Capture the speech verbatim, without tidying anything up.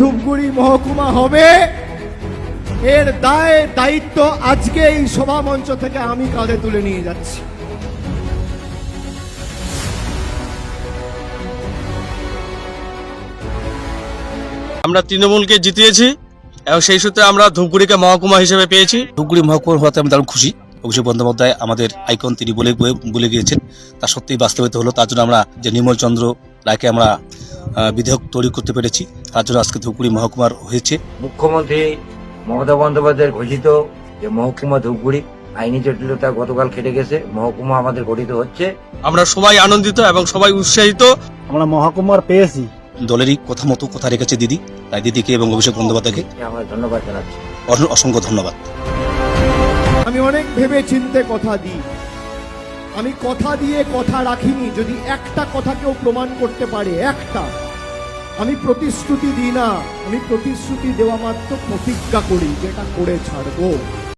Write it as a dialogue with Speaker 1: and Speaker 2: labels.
Speaker 1: ধূপগুড়ি মহকুমা হবে, এর দায় দায়িত্ব আজকে এই সভা মঞ্চ থেকে আমি কাঁধে তুলে নিয়ে যাচ্ছি।
Speaker 2: আমরা তৃণমূলকে জিতিয়েছি এবং সেই সূত্রে আমরা ধূপগুড়িকে মহকুমা হিসেবে পেয়েছি।
Speaker 3: ধূপগুড়ি মহকুমা হওয়াতে আমি দারুণ খুশি। অভিষেক বন্দ্যোপাধ্যায় আমাদের আইকন, তিনি বলে বলে গিয়েছেন, তা সত্যিই বাস্তবায়িত হলো। তার জন্য আমরা যে নির্মল চন্দ্র রায়কে আমরা বিধেয়ক তৈরি করতে পেরেছি, তার জন্য আজকে ধূপগুড়ি মহকুমার হয়েছে।
Speaker 4: মুখ্যমন্ত্রী মমতা বন্দ্যোপাধ্যায়ের ঘোষিত যে মহকুমা ধূপগুড়ি আইনি জটিলতা গতকাল কেটে গেছে, মহকুমা আমাদের গঠিত হচ্ছে।
Speaker 2: আমরা সবাই আনন্দিত এবং সবাই উৎসাহিত।
Speaker 5: আমরা মহকুমার পেয়েছি।
Speaker 3: দলেরই কথা মতো কথা রেখেছে দিদি, তাই দিদিকে এবং অভিষেক বন্দ্যোপাধ্যায়কে
Speaker 4: আমরা ধন্যবাদ জানাচ্ছি।
Speaker 3: অসংখ্য ধন্যবাদ।
Speaker 1: আমি অনেক ভেবে চিন্তে কথা দিই, আমি কথা দিয়ে কথা রাখিনি। যদি একটা কথা কেউ প্রমাণ করতে পারে, একটা, আমি প্রতিশ্রুতি দিই না, আমি প্রতিশ্রুতি দেওয়া মাত্র প্রতিজ্ঞা করি, যেটা করে ছাড়বো।